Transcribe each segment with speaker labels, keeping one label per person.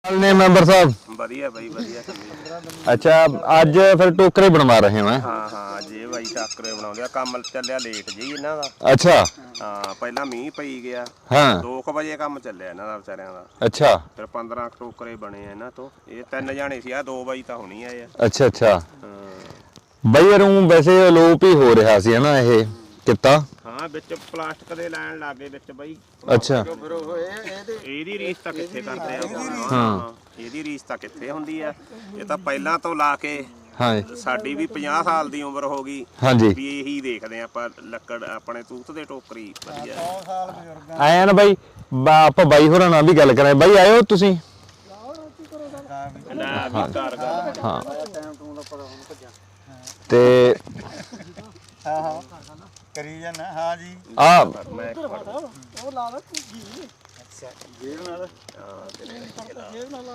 Speaker 1: ने मेंबर साहब
Speaker 2: बढ़िया भाई बढ़िया।
Speaker 1: अच्छा आज फिर टोकरे बनवा रहे हैं।
Speaker 2: हाँ हाँ जे भाई टाकरे बनाਉਂਦੇ ਆ ਕੰਮ ਚੱਲਿਆ ਲੇਟ ਜੀ ਇਹਨਾਂ ਦਾ।
Speaker 1: अच्छा
Speaker 2: ਹਾਂ ਪਹਿਲਾਂ ਮੀਂਹ ਪਈ ਗਿਆ।
Speaker 1: हाँ
Speaker 2: 2 ਵਜੇ ਕੰਮ ਚੱਲਿਆ ਇਹਨਾਂ ਦਾ ਵਿਚਾਰਿਆਂ ਦਾ।
Speaker 1: अच्छा
Speaker 2: ਫਿਰ 15 ਟੋਕਰੇ ਬਣੇ ਆ ਇਹਨਾਂ ਤੋਂ। ਇਹ 3 ਜਾਣੇ ਸੀ ਆ 2 ਵਜੇ ਤਾਂ ਹੋਣੀ ਆਏ ਆ।
Speaker 1: अच्छा अच्छा
Speaker 2: ਹਾਂ
Speaker 1: ਬਈ ਯਾਰ ਉਹ ਵੈਸੇ ਅਲੋਪ ਹੀ ਹੋ ਰਿਹਾ ਸੀ ਨਾ ਇਹ ਕਿੱਤਾ।
Speaker 2: ਹਾਂ ਵਿੱਚ ਪਲਾਸਟਿਕ ਦੇ ਲੈਣ ਲੱਗੇ ਵਿੱਚ ਬਈ।
Speaker 1: ਅੱਛਾ
Speaker 2: ਫਿਰ ਉਹ ਇਹਦੀ ਰੀਸ ਤਾਂ ਕਿੱਥੇ ਕਰਦੇ ਆ।
Speaker 1: ਹਾਂ
Speaker 2: ਇਹਦੀ ਰੀਸ ਤਾਂ ਕਿੱਥੇ ਹੁੰਦੀ ਆ। ਇਹ ਤਾਂ ਪਹਿਲਾਂ ਤੋਂ ਲਾ ਕੇ
Speaker 1: ਹਾਂ
Speaker 2: ਸਾਡੀ ਵੀ 50 ਸਾਲ ਦੀ ਉਮਰ ਹੋ ਗਈ
Speaker 1: ਹਾਂਜੀ
Speaker 2: ਵੀ ਇਹੀ ਦੇਖਦੇ ਆ ਆਪਾਂ ਲੱਕੜ ਆਪਣੇ ਤੂਤ ਦੇ ਟੋਕਰੀ ਵਧੀਆ।
Speaker 3: 100 ਸਾਲ ਬਜ਼ੁਰਗਾਂ
Speaker 1: ਆਇਆ ਨਾ ਬਾਈ ਆਪਾਂ ਬਾਈ ਹੋਰਾਂ ਨਾਲ ਵੀ ਗੱਲ ਕਰਾਂ। ਬਾਈ ਆਇਓ ਤੁਸੀਂ।
Speaker 2: ਨਾ ਵੀ ਘਰ ਗੱਲ
Speaker 1: ਹਾਂ
Speaker 3: ਟਾਈਮ ਟੂਮ ਦਾ ਪਤਾ ਹੁਣ ਭੱਜਿਆ।
Speaker 1: ਤੇ
Speaker 3: ਹਾਂ ਹਾਂ ਕਰੀ ਜਾਣਾ। ਹਾਂ ਜੀ
Speaker 1: ਆ
Speaker 2: ਮੈਂ
Speaker 3: ਉਹ ਲਾ ਲੈ ਕੁੱਗੀ। ਅੱਛਾ ਜੇਬ ਨਾਲ ਜੇਬ ਨਾਲ ਲਾ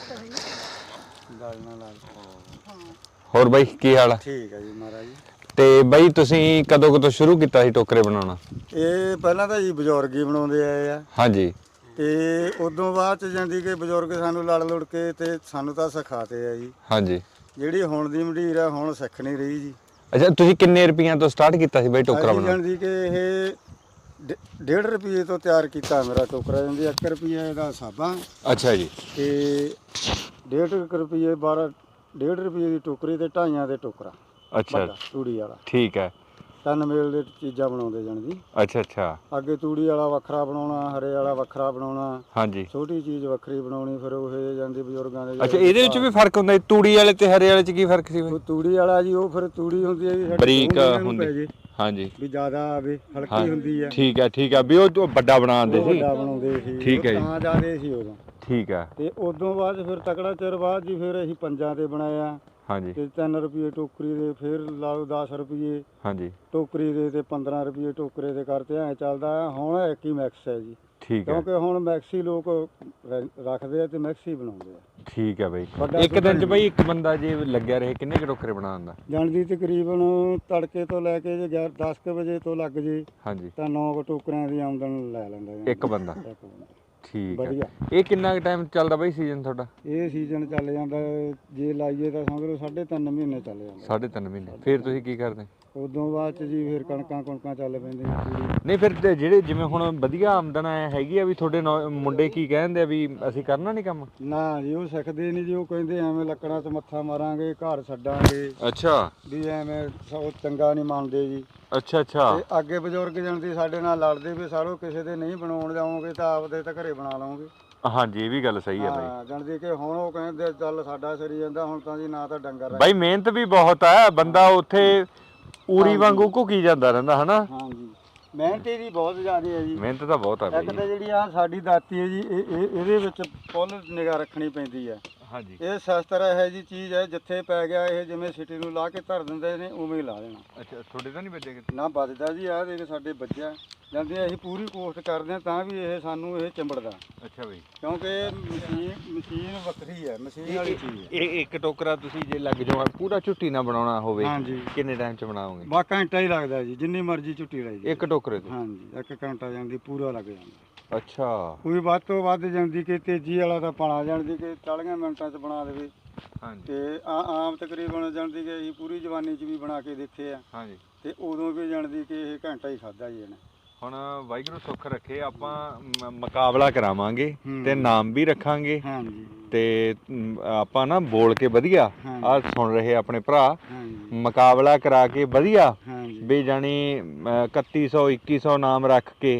Speaker 3: ਗੱਲ ਨਾਲ
Speaker 1: ਹੋਰ ਬਾਈ ਕੀ ਹਾਲ ਆ?
Speaker 3: ਠੀਕ ਹੈ ਜੀ ਮਹਾਰਾਜ ਜੀ।
Speaker 1: ਤੇ ਬਾਈ ਤੁਸੀਂ ਕਦੋਂ ਸ਼ੁਰੂ ਕੀਤਾ ਸੀ ਟੋਕਰੇ ਬਣਾਉਣਾ?
Speaker 3: ਇਹ ਪਹਿਲਾਂ ਤਾਂ ਜੀ ਬਜ਼ੁਰਗ ਹੀ ਬਣਾਉਂਦੇ ਆਏ ਆ
Speaker 1: ਹਾਂਜੀ
Speaker 3: ਤੇ ਉਦੋਂ ਬਾਅਦ ਚ ਜਾਂਦੀ ਕਿ ਬਜ਼ੁਰਗ ਸਾਨੂੰ ਲੜ ਲੁੜ ਕੇ ਤੇ ਸਾਨੂੰ ਤਾਂ ਸਿਖਾਤੇ ਆ ਜੀ।
Speaker 1: ਹਾਂਜੀ
Speaker 3: ਜਿਹੜੀ ਹੁਣ ਦੀ ਮੰਡੀਰ ਆ ਹੁਣ ਸਿੱਖ ਨਹੀਂ ਰਹੀ ਜੀ।
Speaker 1: ਅੱਛਾ ਤੁਸੀਂ ਕਿੰਨੇ ਰੁਪਈਆਂ ਤੋਂ ਸਟਾਰਟ ਕੀਤਾ ਸੀ ਬਾਈ ਟੋਕਰਾ
Speaker 3: ਅਸੀਂ
Speaker 1: ਬਣਾਉਣਾ?
Speaker 3: ਜਾਂਦੀ ਕਿ ਇਹ 1.5 ਰੁਪਏ ਤੋਂ ਤਿਆਰ ਕੀਤਾ ਮੇਰਾ ਟੋਕਰਾ। ਜਾਂਦੀ 1 ਰੁਪਏ ਦਾ ਸਾਬਾ
Speaker 1: ਅੱਛਾ ਜੀ
Speaker 3: ਤੇ 1.5 ਰੁਪਏ 1.5 ਰੁਪਏ ਦੀ ਟੋਕਰੀ ਤੇ 2.5 ਦੇ ਟੋਕਰਾ
Speaker 1: ਅੱਛਾ
Speaker 3: ਵੱਡਾ ਤੂੜੀ ਵਾਲਾ।
Speaker 1: ਠੀਕ ਹੈ
Speaker 3: 3 ਮੇਲ ਦੇ ਚੀਜ਼ਾਂ ਬਣਾਉਂਦੇ ਜਾਣਦੀ।
Speaker 1: ਅੱਛਾ ਅੱਛਾ
Speaker 3: ਅੱਗੇ ਤੂੜੀ ਵਾਲਾ ਵੱਖਰਾ ਬਣਾਉਣਾ, ਹਰੇ ਵਾਲਾ ਵੱਖਰਾ ਬਣਾਉਣਾ,
Speaker 1: ਹਾਂਜੀ
Speaker 3: ਛੋਟੀ ਚੀਜ਼ ਵੱਖਰੀ ਬਣਾਉਣੀ। ਫਿਰ ਉਹ ਜਾਂਦੀ ਬਜ਼ੁਰਗਾਂ ਦੇ।
Speaker 1: ਅੱਛਾ ਇਹਦੇ ਵਿੱਚ ਵੀ ਫਰਕ ਹੁੰਦਾ? ਤੂੜੀ ਵਾਲੇ ਤੇ ਹਰੇ ਵਾਲੇ ਚ ਕੀ ਫਰਕ ਸੀ
Speaker 3: ਉਹ ਤੂੜੀ ਵਾਲਾ ਜੀ ਉਹ ਫਿਰ ਤੂੜੀ ਹੁੰਦੀ ਹੈ ਜੀ ਸਾਡੀ
Speaker 1: ਬਰੀਕ
Speaker 3: ਦੋ ਮਹੀਨੇ ਨੂੰ
Speaker 1: ਹੁੰਦੀ।
Speaker 3: ਪੈ ਜੇ
Speaker 1: ਹਾਂਜੀ
Speaker 3: ਵੀ ਜ਼ਿਆਦਾ ਆਵੇ ਹਲਕੀ ਹੁੰਦੀ ਹੈ।
Speaker 1: ਠੀਕ ਹੈ ਵੀ ਉਹ ਵੱਡਾ ਬਣਾਉਂਦੇ
Speaker 3: ਉਹ
Speaker 1: ਸੀ।
Speaker 3: ਵੱਡਾ ਬਣਾਉਂਦੇ ਸੀ।
Speaker 1: ਠੀਕ ਹੈ ਜੀ।
Speaker 3: ਤਾਂ ਜ਼ਿਆਦੇ ਸੀ ਉਦੋਂ।
Speaker 1: ਠੀਕ ਹੈ
Speaker 3: ਤੇ ਉਦੋਂ ਬਾਅਦ ਫਿਰ ਤਕੜਾ ਚਿਰ ਬਾਅਦ ਜੀ ਫਿਰ ਅਸੀਂ ਪੰਜਾਂ ਤੇ ਬਣਾਇਆ
Speaker 1: ਹਾਂਜੀ
Speaker 3: ਤੇ 3 ਰੁਪਏ ਟੋਕਰੀ ਦੇ। ਫਿਰ ਲਾਓ 10 ਰੁਪਏ
Speaker 1: ਹਾਂਜੀ
Speaker 3: ਟੋਕਰੀ ਦੇ ਤੇ 15 ਰੁਪਏ ਟੋਕਰੇ ਦੇ ਕਰਤੇ ਐ ਚੱਲਦਾ। ਹੁਣ ਇੱਕ ਹੀ ਮੈਕਸ ਹੈ ਜੀ।
Speaker 1: ਠੀਕ ਹੈ
Speaker 3: ਕਿਉਂਕਿ ਹੁਣ ਮੈਕਸੀ ਲੋਕ ਰੱਖਦੇ ਆ ਤੇ ਮੈਕਸੀ ਬਣਾਉਂਦੇ ਆ।
Speaker 1: ਠੀਕ ਹੈ ਬਾਈ।
Speaker 3: ਵੱਡਾ
Speaker 1: ਇੱਕ ਦਿਨ ਚ ਬਾਈ ਇੱਕ ਬੰਦਾ ਜੇ ਲੱਗਿਆ ਰਹੇ ਕਿੰਨੇ ਕੁ ਟੋਕਰੇ ਬਣਾਉਂਦਾ?
Speaker 3: ਜਾਣਦੀ ਤਕਰੀਬਨ ਤੜਕੇ ਤੋਂ ਲੈ ਕੇ ਜੇ 10 ਵਜੇ ਤੋਂ ਲੱਗ ਜੇ
Speaker 1: ਹਾਂਜੀ
Speaker 3: ਤਾਂ 9 ਟੋਕਰਿਆਂ ਦੀ ਆਮਦਨ ਲੈ ਲੈਂਦਾ ਜੀ।
Speaker 1: ਇੱਕ ਬੰਦਾ?
Speaker 3: ਇੱਕ ਬੰਦਾ।
Speaker 1: ਠੀਕ ਹੈ।
Speaker 3: ਵਧੀਆ।
Speaker 1: ਇਹ ਕਿੰਨਾ ਟਾਈਮ ਚੱਲਦਾ ਬਾਈ ਸੀਜ਼ਨ ਤੁਹਾਡਾ?
Speaker 3: ਇਹ ਸੀਜ਼ਨ ਚੱਲ ਜਾਂਦਾ ਜੇ ਲਾਈਏ ਤਾਂ ਸਮਝ ਲਓ 3.5 ਮਹੀਨੇ ਚੱਲ ਜਾਂਦਾ।
Speaker 1: 3.5 ਮਹੀਨੇ। ਫਿਰ ਤੁਸੀਂ ਕੀ ਕਰਦੇ?
Speaker 3: ਉਦੋਂ ਬਾਅਦ ਚ ਜੀ ਫਿਰ ਕਣਕਾਂ ਚੱਲ ਪੈਂਦੀਆਂ ਪੂਰੀ।
Speaker 1: ਨਹੀਂ ਫਿਰ ਤੇ ਜਿਹੜੇ ਜਿਵੇਂ ਹੁਣ ਵਧੀਆ ਆਮਦਨ ਹੈਗੀ ਆ ਵੀ ਤੁਹਾਡੇ ਮੁੰਡੇ ਕੀ ਕਹਿੰਦੇ ਆ ਵੀ ਅਸੀਂ ਕਰਨਾ ਨਹੀਂ ਕੰਮ?
Speaker 3: ਨਾ ਜੀ ਉਹ ਸਿੱਖਦੇ ਨਹੀਂ ਜੀ। ਉਹ ਕਹਿੰਦੇ ਐਵੇਂ ਲੱਕੜਾਂ 'ਚ ਮੱਥਾ ਮਾਰਾਂਗੇ ਘਰ ਛੱਡਾਂਗੇ
Speaker 1: ਅੱਛਾ
Speaker 3: ਵੀ ਐਵੇਂ ਉਹ ਚੰਗਾ ਨਹੀਂ ਮੰਨਦੇ ਜੀ।
Speaker 1: ਅੱਛਾ ਅੱਛਾ
Speaker 3: ਤੇ ਅੱਗੇ ਬਜ਼ੁਰਗ ਜਾਂਦੇ ਸਾਡੇ ਨਾਲ ਲੜਦੇ ਵੀ ਸਾਲੋ ਕਿਸੇ ਦੇ ਨਹੀਂ ਬਣਾਉਣ ਜਾਓਗੇ ਤਾਂ ਆਪਦੇ ਤਾਂ ਘਰੇ ਬਣਾ ਲਓਗੇ।
Speaker 1: ਹਾਂਜੀ ਇਹ ਵੀ ਗੱਲ ਸਹੀ ਹੈ ਬਾਈ।
Speaker 3: ਹਾਂ ਜਾਣਦੇ ਕਿ ਹੁਣ ਉਹ ਕਹਿੰਦੇ ਚੱਲ ਸਾਡਾ ਸਰੀ ਜਾਂਦਾ ਹੁਣ ਤਾਂ ਜੀ ਨਾ ਤਾਂ ਡੰਗਰ
Speaker 1: ਬਾਈ ਮਿਹਨਤ ਵੀ ਬਹੁਤ ਹੈ। ਬੰਦਾ ਉੱਥੇ ਊਰੀ ਵਾਂਗੂ ਘੁਕੀ ਜਾਂਦਾ ਰਹਿੰਦਾ ਹਨਾ।
Speaker 3: ਹਾਂਜੀ ਮਿਹਨਤ ਦੀ ਬਹੁਤ ਜ਼ਿਆਦਾ ਹੈ ਜੀ।
Speaker 1: ਮਿਹਨਤ ਤਾਂ ਬਹੁਤ ਹੈ
Speaker 3: ਇੱਕ
Speaker 1: ਬਾਈ।
Speaker 3: ਤਾਂ ਜਿਹੜੀ ਆ ਸਾਡੀ ਦਾਤੀ ਹੈ ਜੀ ਇਹਦੇ ਵਿੱਚ ਫੁੱਲ ਨਿਗਾਹ ਰੱਖਣੀ ਪੈਂਦੀ ਹੈ।
Speaker 1: ਹਾਂਜੀ
Speaker 3: ਇਹ ਸ਼ਸਤਰ ਇਹੋ ਜੀ ਚੀਜ਼ ਹੈ ਜਿੱਥੇ ਪੈ ਗਿਆ ਇਹ ਜਿਵੇਂ ਸਿਟੀ ਨੂੰ ਲਾ ਕੇ ਧਰ ਦਿੰਦੇ ਨੇ ਉਵੇਂ ਹੀ ਲਾ ਦੇਣਾ।
Speaker 1: ਅੱਛਾ ਤੁਹਾਡੇ ਤਾਂ ਨਹੀਂ ਵੱਜੇ ਕਿਤੇ?
Speaker 3: ਨਾ ਵੱਜਦਾ ਜੀ। ਆਹ ਦੇਖ ਸਾਡੇ ਬੱਚਾ ਜਾਂਦੇ ਅਸੀਂ ਪੂਰੀ ਕੋਸ਼ਿਸ਼ ਕਰਦੇ ਹਾਂ ਤਾਂ ਵੀ ਇਹ ਸਾਨੂੰ ਇਹ ਚਿੰਬੜਦਾ।
Speaker 1: ਅੱਛਾ ਬਾਈ
Speaker 3: ਕਿਉਂਕਿ ਮਸ਼ੀਨ ਵੱਖਰੀ ਹੈ। ਮਸ਼ੀਨ ਵਾਲੀ ਚੀਜ਼ ਹੈ।
Speaker 1: ਇਹ ਇੱਕ ਟੋਕਰਾ ਤੁਸੀਂ ਜੇ ਲੱਗ ਜਾਓ ਪੂਰਾ ਝੁੱਟੀ ਨਾ ਬਣਾਉਣਾ ਹੋਵੇ
Speaker 3: ਹਾਂਜੀ
Speaker 1: ਕਿੰਨੇ ਟਾਈਮ ਚ ਬਣਾਓਗੇ?
Speaker 3: ਬਾ ਘੰਟਾ ਹੀ ਲੱਗਦਾ ਜੀ ਜਿੰਨੀ ਮਰਜ਼ੀ ਝੁੱਟੀ ਲਈ ਜੀ।
Speaker 1: ਇੱਕ ਟੋਕਰੇ ਤੇ?
Speaker 3: ਹਾਂਜੀ 1 ਘੰਟਾ ਜਾਂਦੀ ਪੂਰਾ ਲੱਗ ਜਾਂਦਾ।
Speaker 1: ਅੱਛਾ
Speaker 3: ਕੋਈ ਵੱਧ ਤੋਂ ਵੱਧ ਜਾਂਦੀ ਕਿ ਤੇਜ਼ੀ ਵਾਲਾ ਤਾਂ ਪਾਣਾ ਜਾਂਦੀ ਕਿ 40 ਮਿੰਟਾਂ 'ਚ ਬਣਾ ਦੇਵੇ।
Speaker 1: ਹਾਂਜੀ
Speaker 3: ਤੇ ਆਮ ਤਕਰੀਬਨ ਜਾਂਦੀ ਕਿ ਅਸੀਂ ਪੂਰੀ ਜਵਾਨੀ 'ਚ ਵੀ ਬਣਾ ਕੇ ਦੇਖੇ ਆ
Speaker 1: ਹਾਂਜੀ
Speaker 3: ਤੇ ਉਦੋਂ ਵੀ ਜਾਣਦੀ ਕਿ ਇਹ ਘੰਟਾ ਹੀ ਖਾਦਾ ਜੀ ਇਹਨੇ।
Speaker 1: ਹੁਣ ਵਾਹਿਗੁਰੂ ਸੁੱਖ ਰੱਖੇ ਆਪਾਂ ਮੁਕਾਬਲਾ ਕਰਾਵਾਂਗੇ ਤੇ ਨਾਮ ਵੀ ਰੱਖਾਂਗੇ
Speaker 3: ਹਾਂਜੀ
Speaker 1: ਤੇ ਆਪਾਂ ਨਾ ਬੋਲ ਕੇ ਵਧੀਆ ਆ ਸੁਣ ਰਹੇ ਆਪਣੇ ਭਰਾ
Speaker 3: ਹਾਂਜੀ
Speaker 1: ਮੁਕਾਬਲਾ ਕਰਾ ਕੇ ਵਧੀਆ
Speaker 3: ਹਾਂਜੀ
Speaker 1: ਵੀ ਜਾਣੀ 3100 2100 ਨਾਮ ਰੱਖ ਕੇ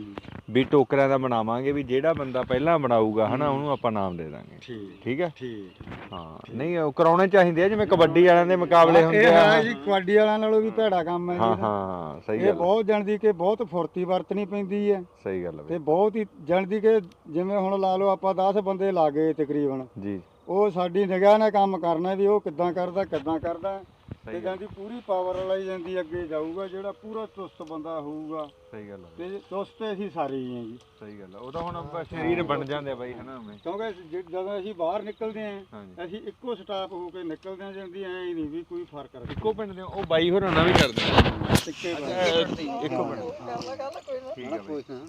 Speaker 1: ਵੀ ਟੋਕਰਿਆਂ ਦਾ ਬਣਾਵਾਂਗੇ ਵੀ ਜਿਹੜਾ ਬੰਦਾ ਪਹਿਲਾਂ ਬਣਾਊਗਾ ਹਨਾ ਉਹਨੂੰ ਆਪਾਂ ਨਾਮ ਦੇ ਦਾਂਗੇ। ਠੀਕ ਹੈ
Speaker 3: ਠੀਕ
Speaker 1: ਹਾਂ। ਨਹੀਂ ਉਹ ਕਰਾਉਣੇ ਚਾਹੀਦੇ ਆ ਜਿਵੇਂ ਕਬੱਡੀ ਵਾਲਿਆਂ ਦੇ ਮੁਕਾਬਲੇ ਹੁੰਦੇ ਆ।
Speaker 3: ਇਹ ਜੀ ਕਬੱਡੀ ਵਾਲਿਆਂ ਨਾਲੋਂ ਵੀ ਭੈੜਾ ਕੰਮ ਹੈ ਜੀ।
Speaker 1: ਹਾਂ ਹਾਂ ਸਹੀ
Speaker 3: ਇਹ
Speaker 1: ਗੱਲ।
Speaker 3: ਬਹੁਤ ਜਾਣਦੀ ਕਿ ਬਹੁਤ ਫੁਰਤੀ ਵਰਤਣੀ ਪੈਂਦੀ ਹੈ।
Speaker 1: ਸਹੀ ਗੱਲ
Speaker 3: ਤੇ ਬਹੁਤ ਹੀ ਜਾਣਦੀ ਕਿ ਜਿਵੇਂ ਹੁਣ ਲਾ ਲਓ ਆਪਾਂ 10 ਬੰਦੇ ਲਾ ਗਏ ਤਕਰੀਬਨ
Speaker 1: ਜੀ।
Speaker 3: ਉਹ ਸਾਡੀ ਨਿਗਾਹ ਨਾਲ ਕੰਮ ਕਰਨਾ ਵੀ ਉਹ ਕਿੱਦਾਂ ਕਰਦਾ ਤੇ ਜਾਂਦੀ ਪੂਰੀ ਪਾਵਰ ਵਾਲਾ ਹੀ ਜਾਂਦੀ ਅੱਗੇ ਜਾਊਗਾ ਜਿਹੜਾ ਪੂਰਾ ਚੁਸਤ ਬੰਦਾ ਹੋਊਗਾ।
Speaker 1: ਸਹੀ ਗੱਲ ਹੈ।
Speaker 3: ਤੇ ਚੁਸਤ ਅਸੀਂ ਸਾਰੇ ਹੀ ਹਾਂ ਜੀ।
Speaker 1: ਸਹੀ ਗੱਲ ਹੈ। ਉਹ ਤਾਂ ਹੁਣ ਸਰੀਰ ਬਣ ਜਾਂਦੇ ਆ ਬਾਈ ਹਨਾ ਉਵੇਂ।
Speaker 3: ਕਿਉਂਕਿ ਜਦੋਂ ਅਸੀਂ ਬਾਹਰ ਨਿਕਲਦੇ ਆਂ ਅਸੀਂ ਇੱਕੋ ਸਟਾਫ ਹੋ ਕੇ ਨਿਕਲਦੇ ਆਂ। ਜਾਂਦੀ ਐ ਹੀ ਨਹੀਂ ਵੀ ਕੋਈ ਫਰਕ ਰੱਖਦਾ।
Speaker 1: ਇੱਕੋ ਪਿੰਡ ਦੇ ਉਹ ਬਾਈ ਹੋਰਾਂ ਨਾਲ ਵੀ ਕਰਦੇ ਆ।
Speaker 3: ਇੱਕੋ
Speaker 1: ਇੱਕੋ ਪਿੰਡ।
Speaker 3: ਠੀਕ ਹੈ।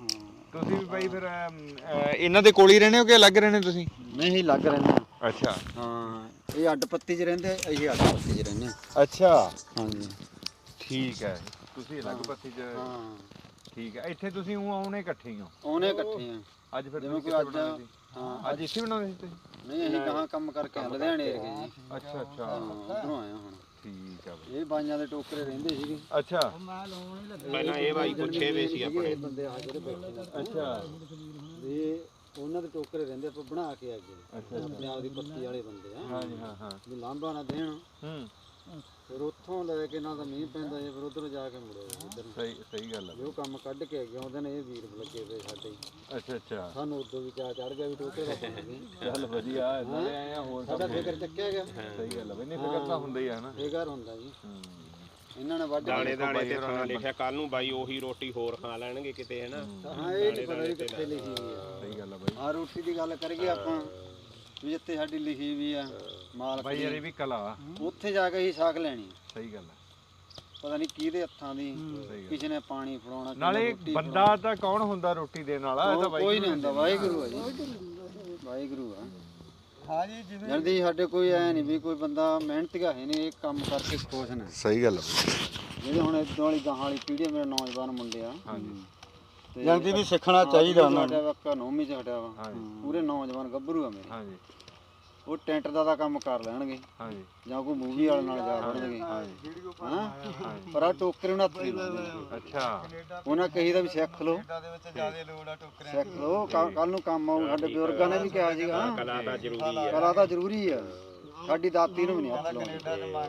Speaker 1: ਤੁਸੀਂ ਵੀ ਬਾਈ ਫਿਰ ਇਹਨਾਂ ਦੇ ਕੋਲ ਹੀ ਰਹਿੰਦੇ ਹੋ ਕਿ ਅਲੱਗ ਰਹਿੰਦੇ ਤੁਸੀਂ?
Speaker 3: ਨਹੀਂ ਲੱਗ ਰਹਿੰਦੇ ਆ।
Speaker 1: ਅੱਛਾ
Speaker 3: ਹਾਂ ਇਹ ਅੱਡ ਪੱਤੀ 'ਚ ਰਹਿੰਦੇ, ਅਸੀਂ ਅੱਡ ਪੱਤੀ 'ਚ ਰਹਿੰਦੇ ਆ।
Speaker 1: ਅੱਛਾ
Speaker 3: ਹਾਂਜੀ
Speaker 1: ਠੀਕ ਹੈ, ਤੁਸੀਂ ਅਲੱਗ ਪੱਤੀ 'ਚ।
Speaker 3: ਹਾਂ
Speaker 1: ਠੀਕ ਹੈ, ਇੱਥੇ ਤੁਸੀਂ ਆਉਣੇ ਇਕੱਠੇ ਹੀ ਹੋ?
Speaker 3: ਉਹਨੇ ਇਕੱਠੇ ਆ।
Speaker 1: ਅੱਜ ਫਿਰ
Speaker 3: ਜਿਵੇਂ
Speaker 1: ਤੁਸੀਂ
Speaker 3: ਕੋਈ
Speaker 1: ਕਿੱਥੇ ਬਣਾਉਂਦੇ ਸੀ?
Speaker 3: ਹਾਂ
Speaker 1: ਅੱਜ ਇੱਥੇ ਬਣਾਉਂਦੇ ਸੀ ਤੁਸੀਂ?
Speaker 3: ਨਹੀਂ ਅਸੀਂ ਕਹਾਂ ਕੰਮ ਕਰਕੇ ਲੁਧਿਆਣੇ ਏਰੀਏ ਜੀ।
Speaker 1: ਅੱਛਾ ਅੱਛਾ
Speaker 3: ਉਧਰੋਂ ਆਇਆ ਹੁਣ।
Speaker 1: ਠੀਕ ਆ ਬਾਈ।
Speaker 3: ਇਹ ਬਾਈਆਂ ਦੇ ਟੋਕਰੇ ਰਹਿੰਦੇ ਸੀਗੇ।
Speaker 1: ਅੱਛਾ
Speaker 2: ਪਹਿਲਾਂ ਇਹ ਬਾਈ ਪੁੱਛੇ ਵੇ ਸੀ ਆਪਣੇ।
Speaker 3: ਬੰਦੇ ਆ ਜਿਹੜੇ ਬੈਠੇ ਨੇ।
Speaker 1: ਅੱਛਾ
Speaker 3: ਇਹ ਉਹਨਾਂ ਦੇ ਟੋਕਰੇ ਰਹਿੰਦੇ ਆਪਾਂ ਬਣਾ ਕੇ ਅੱਗੇ।
Speaker 1: ਅੱਛਾ
Speaker 3: ਪੰਜਾਬ ਦੀ ਪੱਤੀ ਵਾਲੇ ਬੰਦੇ ਆ।
Speaker 1: ਹਾਂਜੀ ਹਾਂ ਹਾਂ
Speaker 3: ਵੀ ਲਾਂਭਾ ਨਾ ਦੇਣ।
Speaker 1: ਹੂੰ
Speaker 3: ਫਿਰ ਉੱਥੋਂ ਲੈ ਕੇ ਨਾ ਤਾਂ ਮੀਂਹ ਪੈਂਦਾ ਜੇ ਫਿਰ ਉਧਰ ਜਾ ਕੇ ਮੁੜੇ ਇੱਧਰ ਨੂੰ।
Speaker 1: ਸਹੀ ਗੱਲ ਆ।
Speaker 3: ਉਹ ਕੰਮ ਕੱਢ ਕੇ ਅੱਗੇ ਆਉਂਦੇ ਨੇ, ਇਹ ਵੀਰ ਲੱਗੇ ਪਏ ਸਾਡੇ।
Speaker 1: ਅੱਛਾ ਅੱਛਾ
Speaker 3: ਸਾਨੂੰ ਉਦੋਂ ਵੀ ਚਾਹ ਚੜ ਗਿਆ ਵੀ ਟੋਕਰੇ ਦਾ ਬਣ ਗਏ।
Speaker 1: ਚੱਲ ਵਧੀਆ ਨਾਲੇ ਆਏ ਆ ਹੋਰ
Speaker 3: ਸਾਡਾ ਫਿਕਰ ਚੱਕਿਆ ਗਿਆ।
Speaker 1: ਸਹੀ ਗੱਲ ਆ ਬਈ, ਨਹੀਂ ਫਿਕਰ ਤਾਂ ਹੁੰਦਾ ਹੀ ਆ ਹਨਾ।
Speaker 3: ਇਹ ਘਰ ਹੁੰਦਾ ਜੀ।
Speaker 1: ਹੂੰ
Speaker 3: ਇਹਨਾਂ ਨੇ ਵੱਢ
Speaker 2: ਦਾਣੇ ਦਾਣੇ ਤੇ ਥਾਂ ਲਿਖਿਆ, ਕੱਲ ਨੂੰ ਬਾਈ ਉਹੀ ਰੋਟੀ ਹੋਰ ਖਾ ਲੈਣਗੇ ਕਿਤੇ ਹਨਾ।
Speaker 3: ਹਾਂ ਇਹ ਨਹੀਂ ਪਤਾ ਵੀ ਕਿੱਥੇ ਲਿਖੀ ਹੋਈ ਆ।
Speaker 1: ਸਹੀ ਗੱਲ ਆ ਬਾਈ।
Speaker 3: ਆ ਰੋਟੀ ਦੀ ਗੱਲ ਕਰੀਏ ਆਪਾਂ ਵੀ ਜਿੱਥੇ ਸਾਡੀ ਲਿਖੀ ਵੀ ਆ ਮਾਲਕ
Speaker 1: ਬਾਈ ਯਾਰ ਇਹ ਵੀ ਕਲਾ।
Speaker 3: ਉੱਥੇ ਜਾ ਕੇ ਹੀ ਸਾਖ ਲੈਣੀ।
Speaker 1: ਸਹੀ ਗੱਲ ਆ।
Speaker 3: ਪਤਾ ਨਹੀਂ ਕਿਹਦੇ ਹੱਥਾਂ ਦੀ,
Speaker 1: ਸਹੀ ਗੱਲ।
Speaker 3: ਕਿਸੇ ਨੇ ਪਾਣੀ ਫੜਾਉਣਾ,
Speaker 1: ਨਾਲੇ ਬੰਦਾ ਤਾਂ ਕੌਣ ਹੁੰਦਾ ਰੋਟੀ ਦੇਣ ਵਾਲਾ? ਇਹ ਤਾਂ ਬਾਈ
Speaker 3: ਕੋਈ ਨਹੀਂ ਹੁੰਦਾ, ਵਾਹਿਗੁਰੂ ਆ ਜੀ। ਵਾਹਿਗੁਰੂ ਆ। ਹਾਂ ਜੀ ਜਿਵੇਂ ਜਲਦੀ ਸਾਡੇ ਕੋਈ ਐ ਨਹੀਂ ਵੀ ਕੋਈ ਬੰਦਾ ਮਿਹਨਤੀਆ ਹੈ ਨਹੀਂ, ਇਹ ਕੰਮ ਕਰਕੇ ਖੁਸ਼ ਨੇ।
Speaker 1: ਸਹੀ ਗੱਲ ਆ।
Speaker 3: ਜਿਹੜੇ ਹੁਣ ਇਦਾਂ ਵਾਲੀ ਗਾਹਾਂ ਵਾਲੀ ਪੀੜ੍ਹੀ ਮੇਰੇ ਨੌਜਵਾਨ ਮੁੰਡੇ ਆ।
Speaker 1: ਹਾਂਜੀ
Speaker 3: ਜਲਦੀ ਵੀ ਸਿੱਖਣਾ ਚਾਹੀਦਾ ਉਹਨਾਂ ਨੂੰ। ਸਾਡਾ ਨੌਵੀਂ ਚ ਹਟਿਆ ਵਾ।
Speaker 1: ਹਾਂਜੀ
Speaker 3: ਪੂਰੇ ਨੌਜਵਾਨ ਗੱਭਰੂ ਆ ਮੇਰੇ।
Speaker 1: ਹਾਂਜੀ
Speaker 3: ਉਹ ਟੈਂਟ ਦਾ ਤਾਂ ਕੰਮ ਕਰ ਲੈਣਗੇ
Speaker 1: ਹਾਂਜੀ
Speaker 3: ਜਾਂ ਕੋਈ ਮੂਵੀ ਵਾਲੇ ਨਾਲ ਜਾ ਵੜਨਗੇ। ਹਾਂ ਪਰ ਆ ਟੋਕਰੇ ਉਹਨਾਂ ਹੱਥ ਨਹੀਂ ਲਾਉਂਦੇ।
Speaker 1: ਅੱਛਾ
Speaker 3: ਉਹਨਾਂ ਕਹੀਦਾ ਵੀ ਸਿੱਖ ਲਓ, ਸਿੱਖ ਲਓ, ਕੱਲ ਨੂੰ ਕੰਮ ਆਊ। ਸਾਡੇ ਬਜ਼ੁਰਗਾਂ ਨੇ ਵੀ ਕਿਹਾ ਸੀਗਾ
Speaker 2: ਕਲਾ ਤਾਂ ਜ਼ਰੂਰੀ ਆ।
Speaker 3: ਕਲਾ ਤਾਂ ਜ਼ਰੂਰੀ ਆ। ਸਾਡੀ ਦਾਤੀ ਨੂੰ ਵੀ ਨਹੀਂ ਹੱਥ ਲਾਉਂਦੇ।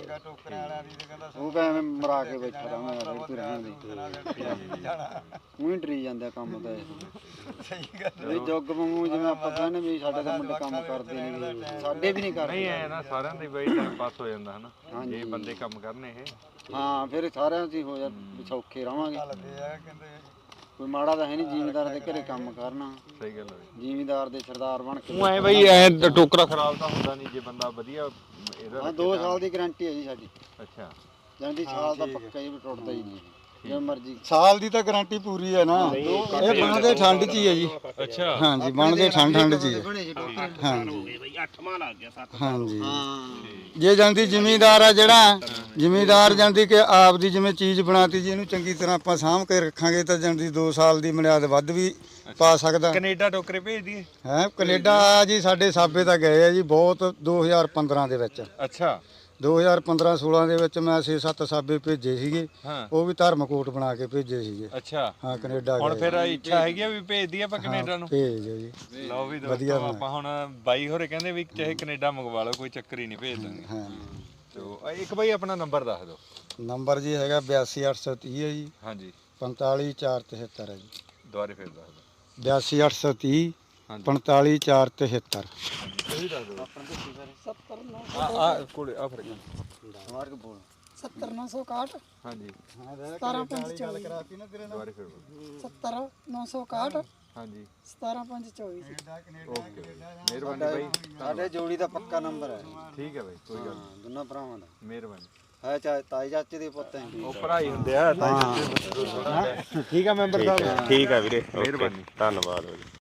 Speaker 3: ਉਹ ਕਹਿੰਦੇ ਮਰਾ ਕੇ ਬੈਠਾ ਰਹਾਂਗਾ ਰੇਤੂ ਰਹਿੰਦੇ ਉਹੀ ਡਰੀ ਜਾਂਦੇ ਕੰਮ ਤਾਂ ਇਹ। ਸਹੀ ਗੱਲ। ਇਹ ਜੁੱਗ ਵਾਂਗੂ ਜਿਵੇਂ ਆਪਾਂ ਕਹਿੰਦੇ ਵੀ ਸਾਡੇ ਤਾਂ ਮੁੰਡੇ ਕੰਮ ਕਰਦੇ ਨੇ, ਸਾਡੇ ਵੀ ਨਹੀਂ ਕਰਦੇ।
Speaker 1: ਨਹੀਂ ਐ ਨਾ ਸਾਰਿਆਂ ਦੇ ਬਈ ਟਾਈਮ ਪਾਸ ਹੋ ਜਾਂਦਾ ਹਨਾ ਜੇ ਬੰਦੇ ਕੰਮ ਕਰਨੇ ਇਹ।
Speaker 3: ਹਾਂ ਫਿਰ ਸਾਰਿਆਂ ਦੀ ਹੋ ਜਾ ਸੌਖੇ ਰਵਾਂਗੇ। ਕੋਈ ਮਾੜਾ ਤਾਂ ਹੈ ਨਹੀਂ ਜ਼ਿਮੀਦਾਰ ਦੇ ਘਰੇ ਕੰਮ ਕਰਨਾ।
Speaker 1: ਸਹੀ ਗੱਲ ਹੈ।
Speaker 3: ਜ਼ਿਮੀਦਾਰ ਦੇ ਸਰਦਾਰ ਬਣ ਕੇ।
Speaker 1: ਉਹ ਐ ਬਈ ਐ ਟੋਕਰਾ ਖਰਾਬ ਤਾਂ ਹੁੰਦਾ ਨਹੀਂ ਜੇ ਬੰਦਾ ਵਧੀਆ ਇਹਦਾ।
Speaker 3: ਹਾਂ 2 ਸਾਲ ਦੀ ਗਾਰੰਟੀ ਹੈ ਜੀ ਸਾਡੀ।
Speaker 1: ਅੱਛਾ
Speaker 3: ਜਾਂਦੀ ਸਾਲ ਦਾ ਪੱਕਾ ਹੀ ਟੁੱਟਦਾ ਹੀ ਨਹੀਂ ਜਿਵੇਂ ਮਰਜ਼ੀ। ਸਾਲ ਦੀ ਤਾਂ ਗਾਰੰਟੀ ਪੂਰੀ ਹੈ ਨਾ। ਇਹ ਬਣਦੇ ਠੰਡ 'ਚ ਹੀ ਹੈ ਜੀ।
Speaker 1: ਅੱਛਾ
Speaker 3: ਹਾਂਜੀ ਬਣਦੇ ਠੰਡ 'ਚ ਹੀ ਹੈ।
Speaker 2: ਹਾਂਜੀ ਬਈ 8ਵਾਂ ਲੱਗ ਗਿਆ 7।
Speaker 3: ਹਾਂਜੀ ਜੇ ਜਾਂਦੀ ਜ਼ਿਮੀਦਾਰ ਆ ਜਿਹੜਾ ਜ਼ਿਮੀਦਾਰ ਜਾਂਦੀ ਕਿ ਆਪ ਦੀ ਜਿਵੇਂ ਚੀਜ਼ ਬਣਾਤੀ ਜੀ, ਇਹਨੂੰ ਚੰਗੀ ਤਰ੍ਹਾਂ ਆਪਾਂ ਸਾਂਭ ਕੇ ਰੱਖਾਂਗੇ ਤਾਂ ਜਾਂਦੀ 2 ਸਾਲ ਦੀ ਮਿਆਦ ਵੱਧ ਵੀ ਪਾ ਸਕਦਾ।
Speaker 1: ਕੈਨੇਡਾ ਟੋਕਰੇ ਭੇਜ ਦਈਏ?
Speaker 3: ਹੈ ਕੈਨੇਡਾ ਜੀ ਸਾਡੇ ਸਾਬੇ ਤਾਂ ਗਏ ਆ ਜੀ ਬਹੁਤ 2015 ਦੇ ਵਿੱਚ।
Speaker 1: ਅੱਛਾ
Speaker 3: 2015-16 ਦੇ ਵਿੱਚ ਮੈਂ 6-7 ਸਾਬੇ ਭੇਜੇ ਸੀਗੇ।
Speaker 1: ਹਾਂ
Speaker 3: ਉਹ ਵੀ ਧਰਮਕੋਟ ਬਣਾ ਕੇ ਭੇਜੇ ਸੀਗੇ।
Speaker 1: ਅੱਛਾ
Speaker 3: ਹਾਂ ਕੈਨੇਡਾ
Speaker 1: ਹੁਣ
Speaker 3: ਗਏ।
Speaker 1: ਫਿਰ ਇੱਛਾ ਹੈਗੀ ਆ ਵੀ ਭੇਜ ਦਈਏ ਆਪਾਂ ਕੈਨੇਡਾ ਨੂੰ?
Speaker 3: ਭੇਜ ਦਿਓ ਜੀ।
Speaker 1: ਲਓ ਵੀ ਦੋਸਤੋ ਆਪਾਂ ਹੁਣ ਬਾਈ ਹੋਰੇ ਕਹਿੰਦੇ ਵੀ ਚਾਹੇ ਕੈਨੇਡਾ ਮੰਗਵਾ ਲਓ, ਕੋਈ ਚੱਕਰ ਹੀ ਨਹੀਂ, ਭੇਜ ਦਾਂਗੇ।
Speaker 3: ਹਾਂ
Speaker 1: ਤੋ ਇੱਕ ਬਾਈ ਆਪਣਾ ਨੰਬਰ ਦੱਸ ਦਿਓ।
Speaker 3: ਨੰਬਰ ਜੀ ਹੈਗਾ 82830 ਹੈ ਜੀ।
Speaker 1: ਹਾਂਜੀ
Speaker 3: 45473 ਹੈ ਜੀ।
Speaker 1: ਦੁਬਾਰੇ ਫਿਰ ਦੱਸ ਦਿਓ।
Speaker 3: 82830
Speaker 1: ਹਾਂਜੀ
Speaker 3: 45473।
Speaker 1: ਸਹੀ ਦੱਸ ਦਿਓ।
Speaker 3: 70
Speaker 1: ਆ ਕੋਲੇ ਆ ਫਰਕ।
Speaker 3: ਮਾਰਕ ਬੋਲ
Speaker 4: 70961
Speaker 1: ਹਾਂਜੀ
Speaker 4: 17524
Speaker 3: ਕਰਾਤੀ ਨਾ ਤੇਰੇ
Speaker 1: ਦੁਬਾਰੇ ਫਿਰ ਬੋਲੋ।
Speaker 4: 70961
Speaker 1: ਹਾਂਜੀ
Speaker 4: 17524
Speaker 1: ਓਕੇ ਮਿਹਰਬਾਨੀ ਬਾਈ।
Speaker 3: ਸਾਡੇ ਜੋੜੀ ਦਾ ਪੱਕਾ ਨੰਬਰ ਹੈ।
Speaker 1: ਠੀਕ ਹੈ ਬਾਈ ਕੋਈ ਗੱਲ
Speaker 3: ਹਾਂ ਦੋਨਾਂ ਭਰਾਵਾਂ ਦਾ
Speaker 1: ਮਿਹਰਬਾਨੀ।
Speaker 3: ਹੈ ਤਾਈ ਚਾਚੇ ਦੇ ਪੁੱਤ ਹੈ।
Speaker 1: ਉਹ ਭਰਾਈ ਹੁੰਦੇ ਆ ਤਾਂ। ਠੀਕ ਆ ਮੈਂਬਰ ਸਾਹਿਬ।
Speaker 2: ਠੀਕ ਆ ਵੀਰੇ,
Speaker 1: ਮਿਹਰਬਾਨੀ।
Speaker 2: ਧੰਨਵਾਦ।